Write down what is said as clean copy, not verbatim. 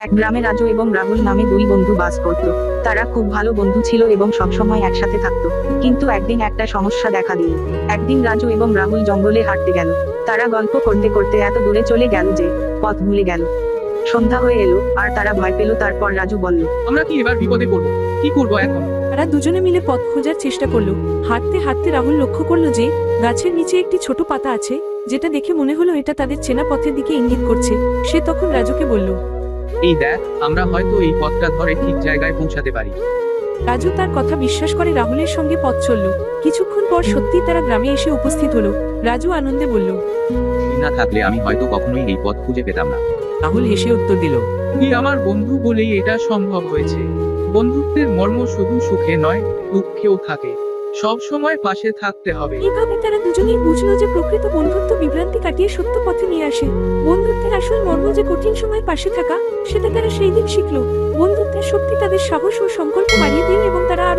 এক গ্রামে রাজু এবং রাহুল নামে দুই বন্ধু বাস করত। তারা খুব ভালো বন্ধু ছিল এবং সবসময় একসাথে থাকতো। কিন্তু একদিন একটা সমস্যা দেখা দিল। একদিন রাজু এবং রাহুল জঙ্গলে হাঁটতে গেল। তারা গল্প করতে করতে এত দূরে চলে গেল যে পথ ভুলে গেল। সন্ধ্যা হয়ে এলো আর তারা ভয় পেল। তারপর রাজু বলল, আমরা কি এবার বিপদে পড়বো? কি করবো এখন? তারা দুজনে মিলে পথ খোঁজার চেষ্টা করলো। হাঁটতে হাঁটতে রাহুল লক্ষ্য করলো যে গাছের নিচে একটি ছোট পাতা আছে, যেটা দেখে মনে হলো এটা তাদের চেনা পথের দিকে ইঙ্গিত করছে। সে তখন রাজুকে বলল। এই দেখ, আমরা হয়তো এই পথটা ধরে ঠিক জায়গায় পৌঁছাতে পারি। রাজু তার কথা বিশ্বাস করে রাহুলের সঙ্গে পথ চলল। কিছুক্ষণ পর সত্যি তারা গ্রামে এসে উপস্থিত হলো। রাজু আনন্দে বলল। তুই না থাকলে আমি হয়তো কখনোই এই পথ খুঁজে পেতাম না। রাহুল হেসে উত্তর দিল, তুই আমার বন্ধু বলেই এটা সম্ভব হয়েছে। বন্ধুত্বের মর্ম শুধু সুখে নয়, দুঃখেও থাকে। সব সময় পাশে থাকতে হবে। এভাবে তারা দুজনেই বুঝলো যে প্রকৃত বন্ধুত্ব বিভ্রান্তি কাটিয়ে সত্য পথে নিয়ে আসে। বন্ধুত্বের আসল মর্ম যে কঠিন সময় পাশে থাকা, সেটা তারা সেই দিন শিখলো। বন্ধুত্বের শক্তি তাদের সাহস ও সংকল্প বাড়িয়ে দিল এবং তারা